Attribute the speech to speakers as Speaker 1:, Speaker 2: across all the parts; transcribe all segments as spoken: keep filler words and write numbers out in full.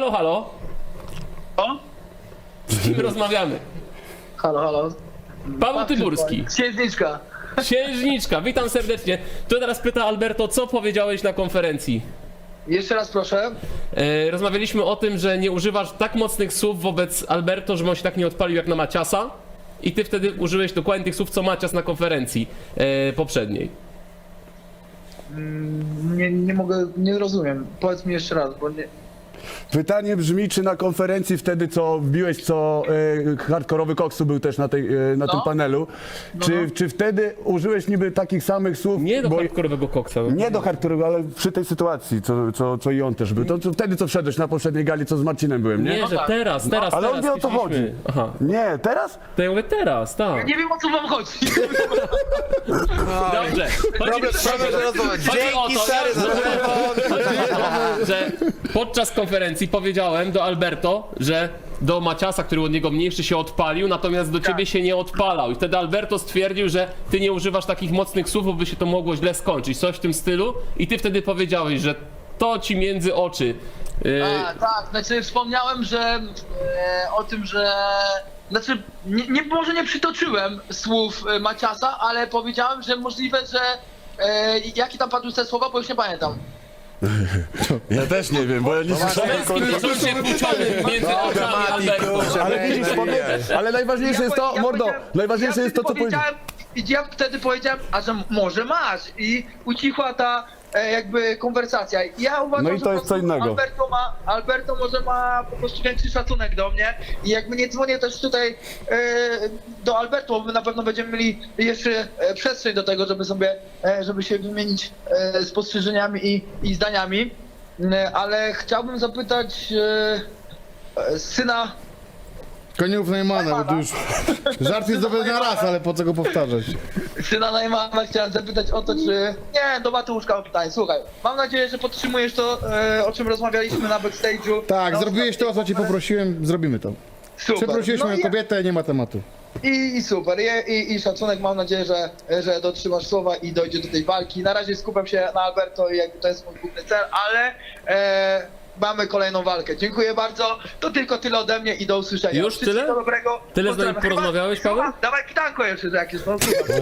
Speaker 1: Halo, halo.
Speaker 2: O?
Speaker 1: Z kim rozmawiamy?
Speaker 2: Halo, halo.
Speaker 1: Paweł Tyburski.
Speaker 2: Księżniczka.
Speaker 1: Księżniczka, witam serdecznie. Tu teraz pyta Alberto, co powiedziałeś na konferencji?
Speaker 2: Jeszcze raz proszę.
Speaker 1: E, rozmawialiśmy o tym, że nie używasz tak mocnych słów wobec Alberto, żeby on się tak nie odpalił jak na Maciasa. I ty wtedy użyłeś dokładnie tych słów, co Macias na konferencji e, poprzedniej.
Speaker 2: Mm, Nie, nie mogę, nie rozumiem. Powiedz mi jeszcze raz, bo nie...
Speaker 3: Pytanie brzmi, czy na konferencji wtedy, co wbiłeś, co e, hardkorowy Koksu był też na, tej, e, na
Speaker 2: No.
Speaker 3: tym panelu, czy, czy wtedy użyłeś niby takich samych słów?
Speaker 1: Nie do
Speaker 3: bo-
Speaker 1: hardkorowego koksa. No.
Speaker 3: Nie do hardkorowego, ale przy tej sytuacji, co, co, co i on też był. To, to wtedy, co wszedłeś na poprzedniej gali, co z Marcinem byłem, nie?
Speaker 1: Nie, że
Speaker 2: tak.
Speaker 1: teraz, teraz,
Speaker 3: Ale on
Speaker 1: teraz.
Speaker 3: wie, o co
Speaker 1: piszliśmy.
Speaker 3: chodzi.
Speaker 1: Aha,
Speaker 3: Nie, teraz?
Speaker 1: to ja mówię teraz, tak.
Speaker 2: Nie wiem, o co wam chodzi.
Speaker 1: Dobrze. Chodzi,
Speaker 4: Problem, problem, że rozmawiać.
Speaker 1: chodzi o
Speaker 4: Dzięki
Speaker 1: to,
Speaker 4: stary
Speaker 1: ja-
Speaker 4: za telefon.
Speaker 1: że podczas konferencji powiedziałem do Alberto, że do Maciasa, który od niego mniejszy, się odpalił, natomiast do ciebie się nie odpalał. I wtedy Alberto stwierdził, że ty nie używasz takich mocnych słów, bo by się to mogło źle skończyć. Coś w tym stylu. I ty wtedy powiedziałeś, że to ci między oczy. Yy,
Speaker 2: A, tak, znaczy wspomniałem, że e, o tym, że... Znaczy, nie, nie, może nie przytoczyłem słów e, Maciasa, ale powiedziałem, że możliwe, że... E, jakie tam padły te słowa, bo już nie pamiętam.
Speaker 3: Ja też nie wiem, bo ja nie słyszałem.
Speaker 1: męskim poczuciem płciowym między oczami Alberto.
Speaker 3: Ale widzisz, powiem, ale najważniejsze jest to,
Speaker 2: powie-
Speaker 3: mordo,
Speaker 2: powiedziałem-
Speaker 3: najważniejsze
Speaker 2: ja
Speaker 3: jest to,
Speaker 2: wtedy
Speaker 3: co powiedziałeś.
Speaker 2: powiedziałem. Ja wtedy powiedziałem, a że może masz i ucichła ta e, jakby konwersacja. Ja uważam,
Speaker 3: No i
Speaker 2: że
Speaker 3: to
Speaker 2: po
Speaker 3: jest co
Speaker 2: prostu
Speaker 3: innego.
Speaker 2: Alberto ma, Alberto może ma po prostu większy szacunek do mnie i jakby nie dzwonię też tutaj e, do Alberto, bo my na pewno będziemy mieli jeszcze e, przestrzeń do tego, żeby sobie, e, żeby się wymienić e, spostrzeżeniami i, i zdaniami, e, ale chciałbym zapytać e, e, syna.
Speaker 5: Koniów Neumana, bo to już żart jest dobry na raz, ale po co go powtarzać?
Speaker 2: Syna Najmana chciałem zapytać o to, czy... Nie, do Mateuszka mam pytanie. Słuchaj, mam nadzieję, że podtrzymujesz to, e, o czym rozmawialiśmy na backstage'u.
Speaker 5: Tak,
Speaker 2: Na
Speaker 5: zrobiłeś to, o co ci poprosiłem, zrobimy to.
Speaker 2: Super.
Speaker 5: Przeprosiłeś
Speaker 2: No
Speaker 5: moją
Speaker 2: i,
Speaker 5: kobietę, nie ma tematu.
Speaker 2: i, I super, I, i, i szacunek, mam nadzieję, że, że dotrzymasz słowa i dojdzie do tej walki. Na razie skupiam się na Alberto i jakby to jest mój główny cel, ale e, mamy kolejną walkę. Dziękuję bardzo, to tylko tyle ode mnie i do usłyszenia.
Speaker 1: Już
Speaker 2: Wszystkiego
Speaker 1: tyle?
Speaker 2: dobrego.
Speaker 1: Tyle z nami
Speaker 2: Pozdrawiam.
Speaker 1: porozmawiałeś,
Speaker 2: Chyba-
Speaker 1: Paweł?
Speaker 2: Dawaj pytanko jeszcze jakieś, no słucham.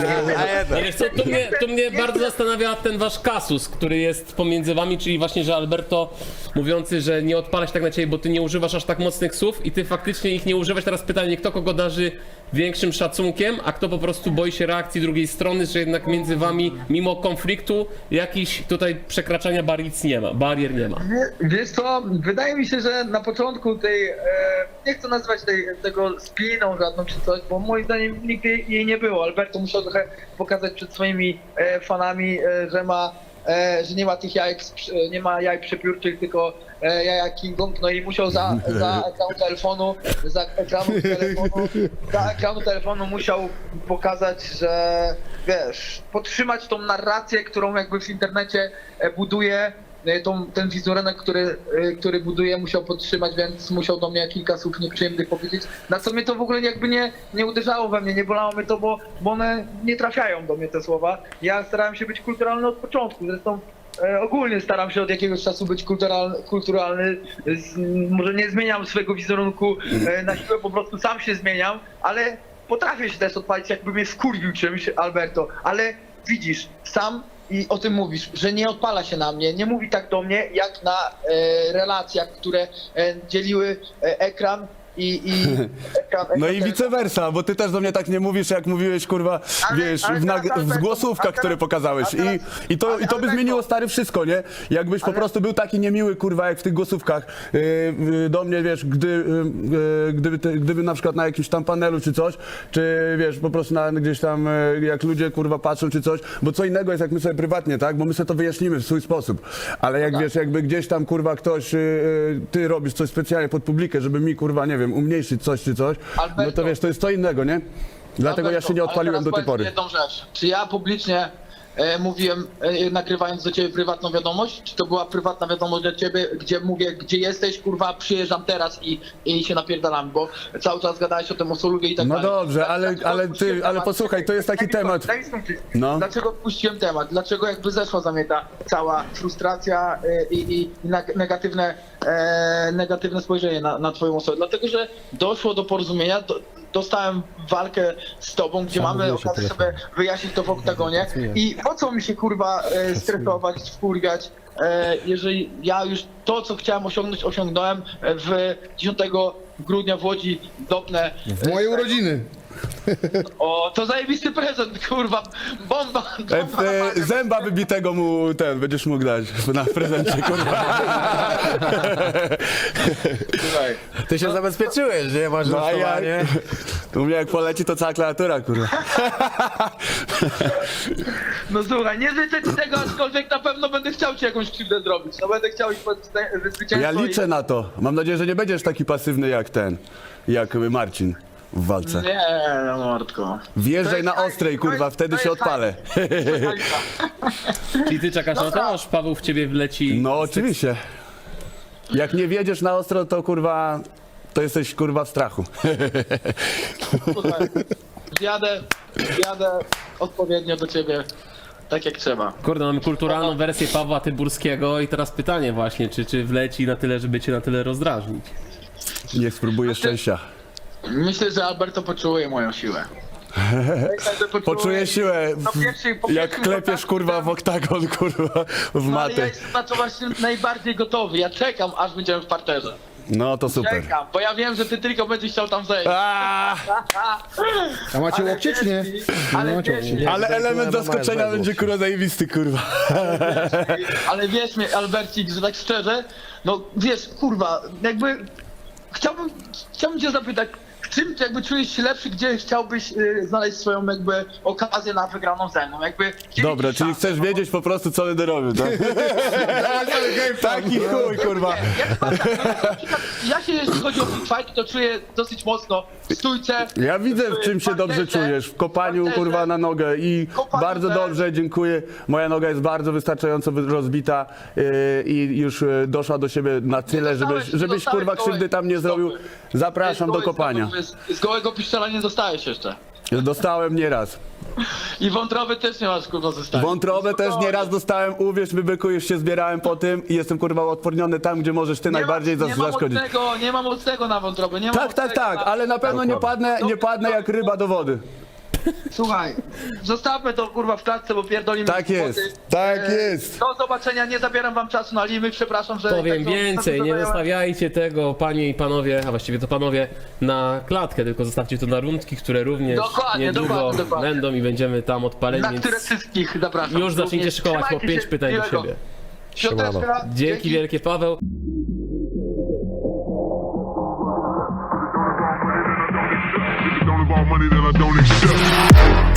Speaker 1: No wiesz co, tu mnie, tu mnie bardzo zastanawia ten wasz kasus, który jest pomiędzy wami, czyli właśnie, że Alberto mówiący, że nie odpala się tak na ciebie, bo ty nie używasz aż tak mocnych słów i ty faktycznie ich nie używasz. Teraz pytanie, kto kogo darzy większym szacunkiem, a kto po prostu boi się reakcji drugiej strony, że jednak między wami, mimo konfliktu, jakiś tutaj przekraczania barier nie ma, barier nie ma.
Speaker 2: Wie- Wiesz co, wydaje mi się, że na początku tej, e, nie chcę nazywać tej, tego spiną żadną czy coś, bo moim zdaniem nigdy jej nie było. Alberto musiał trochę pokazać przed swoimi e, fanami, e, że ma, e, że nie ma tych jajek, z przy- nie ma jaj przepiórczych, tylko e, jaja King Kong, no i musiał za, za ekranu telefonu, za ekranu telefonu, za ekranu telefonu musiał pokazać, że wiesz, podtrzymać tą narrację, którą jakby w internecie e, buduje. Tą, ten wizerunek, który, y, który buduje, musiał podtrzymać, więc musiał do mnie kilka słów nieprzyjemnych powiedzieć. Na co mnie to w ogóle jakby nie, nie uderzało we mnie, nie bolało mnie to, bo, bo one nie trafiają do mnie te słowa. Ja starałem się być kulturalny od początku, zresztą e, ogólnie staram się od jakiegoś czasu być kulturalny. kulturalny. Z, może nie zmieniam swojego wizerunku e, na siłę, po prostu sam się zmieniam, ale potrafię się też odpalić, jakby mnie skurwił czymś Alberto, ale widzisz, sam i o tym mówisz, że nie odpala się na mnie, nie mówi tak do mnie, jak na e, relacjach, które e, dzieliły e, ekran i, i ekran,
Speaker 3: No
Speaker 2: ekran
Speaker 3: i vice versa, bo ty też do mnie tak nie mówisz, jak mówiłeś, kurwa,
Speaker 2: Ale-
Speaker 3: wiesz,
Speaker 2: ale
Speaker 3: w, nag-
Speaker 2: teraz,
Speaker 3: w
Speaker 2: Alberto,
Speaker 3: zgłosówkach,
Speaker 2: a teraz-
Speaker 3: które pokazałeś.
Speaker 2: a teraz-
Speaker 3: I, i, to,
Speaker 2: ale-
Speaker 3: I to by
Speaker 2: Alberto-
Speaker 3: zmieniło, stary, wszystko, nie? Jakbyś po
Speaker 2: Ale-
Speaker 3: prostu był taki niemiły, kurwa, jak w tych głosówkach yy, yy, do mnie, wiesz, gdy, yy, yy, gdyby, ty, gdyby na przykład na jakimś tam panelu czy coś, czy wiesz, po prostu na, gdzieś tam, yy, jak ludzie, kurwa, patrzą czy coś, bo co innego jest, jak my sobie prywatnie, tak? Bo my sobie to wyjaśnimy w swój sposób. Ale jak, wiesz, jakby gdzieś tam, kurwa, ktoś, yy, yy, ty robisz coś specjalnie pod publikę, żeby mi, kurwa, nie wiem, umniejszyć coś czy coś, no to wiesz, to jest co innego, nie? Dlatego ja się nie
Speaker 2: Ale
Speaker 3: odpaliłem
Speaker 2: teraz
Speaker 3: do tej
Speaker 2: powiedz mi
Speaker 3: pory.
Speaker 2: jedną rzecz. Czy ja publicznie e, mówiłem, e, nagrywając do ciebie prywatną wiadomość? Czy to była prywatna wiadomość do ciebie, gdzie mówię, gdzie jesteś, kurwa, przyjeżdżam teraz i, i się napierdalam, bo cały czas gadałeś o tym Osoluwie i tak
Speaker 3: No
Speaker 2: dalej.
Speaker 3: dobrze, ale,
Speaker 2: Dlaczego
Speaker 3: ale
Speaker 2: odpuściłem
Speaker 3: ty, ale
Speaker 2: temat?
Speaker 3: posłuchaj, to jest taki
Speaker 2: Daj mi
Speaker 3: temat.
Speaker 2: skończyć, daj mi skończyć.
Speaker 3: No.
Speaker 2: Dlaczego odpuściłem temat? Dlaczego jakby zeszła za mnie ta cała frustracja e, i, i, i neg- negatywne, e, negatywne spojrzenie na, na twoją osobę? Dlatego, że doszło do porozumienia, do, dostałem walkę z tobą, gdzie mamy okazję sobie wyjaśnić to w oktagonie i po co mi się kurwa e, stresować, wkurwiać, e, jeżeli ja już to, co chciałem osiągnąć, osiągnąłem e, w dziesiątego grudnia w Łodzi dopnę.
Speaker 5: W moje urodziny.
Speaker 2: O, to zajebisty prezent, kurwa, bomba,
Speaker 3: E,
Speaker 2: bomba.
Speaker 3: e, zęba wybitego mu ten będziesz mógł dać na prezencie, kurwa.
Speaker 2: Słuchaj.
Speaker 4: Ty się zabezpieczyłeś, nie? Masz
Speaker 3: No a ja,
Speaker 4: rusztowanie.
Speaker 3: u mnie jak poleci to cała klawiatura, kurwa.
Speaker 2: No słuchaj, nie życzę ci tego, aczkolwiek na pewno będę chciał ci jakąś krzywdę zrobić. No będę chciał iść pod zwycię- zwycięstwo.
Speaker 3: Ja liczę
Speaker 2: i...
Speaker 3: na to. Mam nadzieję, że nie będziesz taki pasywny jak ten, jak Marcin w walce.
Speaker 2: Nie, no mordko.
Speaker 3: Wjeżdżaj na
Speaker 2: To jest-
Speaker 3: ostrej,
Speaker 2: to
Speaker 3: kurwa,
Speaker 2: jest-
Speaker 3: wtedy
Speaker 2: to
Speaker 3: się
Speaker 2: jest
Speaker 3: odpalę.
Speaker 1: Czyli ty czekasz na to, aż Paweł w ciebie wleci.
Speaker 3: No oczywiście. Jak nie wjedziesz na ostro, to kurwa, to jesteś kurwa w strachu.
Speaker 2: Słuchaj, Jadę, jadę odpowiednio do ciebie, tak jak trzeba.
Speaker 1: Kurde, mamy kulturalną wersję Pawła Tyburskiego i teraz pytanie właśnie, czy, czy wleci na tyle, żeby cię na tyle rozdrażnić?
Speaker 3: Niech spróbuję szczęścia.
Speaker 2: Myślę, że Alberto poczuje moją siłę. Myślę, że poczuje-
Speaker 3: Poczuję siłę,
Speaker 2: Po pierwszej- po
Speaker 3: jak
Speaker 2: pierwszym
Speaker 3: klepiesz
Speaker 2: kontakcie-
Speaker 3: kurwa w oktagon, kurwa, w
Speaker 2: No, ale ja
Speaker 3: matę.
Speaker 2: jestem na to właśnie najbardziej gotowy. Ja czekam, aż będziemy w parterze.
Speaker 3: No to super.
Speaker 2: Czekam, bo ja wiem, że ty tylko będziesz chciał tam zejść.
Speaker 3: Aaaa,
Speaker 5: A macie łokcie czy nie?
Speaker 2: wierz mi,
Speaker 5: Nie
Speaker 2: Ale
Speaker 5: macie
Speaker 2: wierz
Speaker 5: łokci.
Speaker 2: mi,
Speaker 3: ale element zaskoczenia będzie kurwa zajebisty, kurwa.
Speaker 2: ale wierz mi, Albercik, że tak szczerze, no wiesz, kurwa, jakby chciałbym, chciałbym cię zapytać, w czym jakby czujesz się lepszy, gdzie chciałbyś y, znaleźć swoją jakby okazję na wygraną ze mną, jakby... gdzie
Speaker 3: Dobra,
Speaker 2: widzisz
Speaker 3: czyli
Speaker 2: szansę?
Speaker 3: chcesz wiedzieć po prostu co będę robił, tak? Taki chuj, kurwa.
Speaker 2: Nie, ja, chyba tak, no, na przykład ja się, jeśli chodzi o big fight, to czuję dosyć mocno w stójce.
Speaker 3: Ja widzę, w czym się dobrze
Speaker 2: parterze,
Speaker 3: czujesz. W kopaniu,
Speaker 2: parterze.
Speaker 3: kurwa, na nogę i
Speaker 2: Kopaniu
Speaker 3: bardzo
Speaker 2: też.
Speaker 3: dobrze, dziękuję. Moja noga jest bardzo wystarczająco wy- rozbita yy, i już yy, doszła do siebie na tyle,
Speaker 2: dostałeś-
Speaker 3: żebyś,
Speaker 2: nie
Speaker 3: żebyś
Speaker 2: dostałeś
Speaker 3: kurwa, krzywdy tam nie zrobił.
Speaker 2: stopy.
Speaker 3: Zapraszam do kopania.
Speaker 2: Z, z gołego piszczela nie dostałeś jeszcze.
Speaker 3: Dostałem nieraz.
Speaker 2: I wątroby też nie masz kurwa zostawić.
Speaker 3: Wątrobę też nieraz dostałem, uwierz mi, byku, już się zbierałem po tym i jestem kurwa odporniony tam, gdzie możesz ty najbardziej
Speaker 2: nie
Speaker 3: zas-
Speaker 2: ma
Speaker 3: zaszkodzić.
Speaker 2: mocnego, nie ma mocnego na wątrobę, nie ma
Speaker 3: Tak, tak,
Speaker 2: mocnego
Speaker 3: tak,
Speaker 2: na-
Speaker 3: ale na pewno nie padnę, nie padnę jak ryba do wody.
Speaker 2: Słuchaj, zostawmy to kurwa w klatce, bo pierdolimy
Speaker 3: Tak jest,
Speaker 2: głupoty.
Speaker 3: tak
Speaker 2: E,
Speaker 3: jest.
Speaker 2: Do zobaczenia, nie zabieram wam czasu na limy, przepraszam, że...
Speaker 1: Powiem
Speaker 2: tak to-
Speaker 1: więcej,
Speaker 2: tak
Speaker 1: nie
Speaker 2: to zająłem.
Speaker 1: zostawiajcie tego, panie i panowie, a właściwie to panowie, na klatkę, tylko zostawcie to na rundki, które również
Speaker 2: Dokładnie,
Speaker 1: niedługo
Speaker 2: dokładnie, dokładnie.
Speaker 1: będą i będziemy tam odpaleni,
Speaker 2: Na
Speaker 1: więc
Speaker 2: które wszystkich zapraszam.
Speaker 1: już zacznijcie
Speaker 2: Również.
Speaker 1: szykować po
Speaker 2: Trzymajcie
Speaker 1: pięć
Speaker 2: się,
Speaker 1: pytań do
Speaker 2: miłego.
Speaker 1: siebie.
Speaker 2: Świąteczka,
Speaker 1: Dzięki wielkie, Paweł.
Speaker 6: Don't involve money that I don't accept.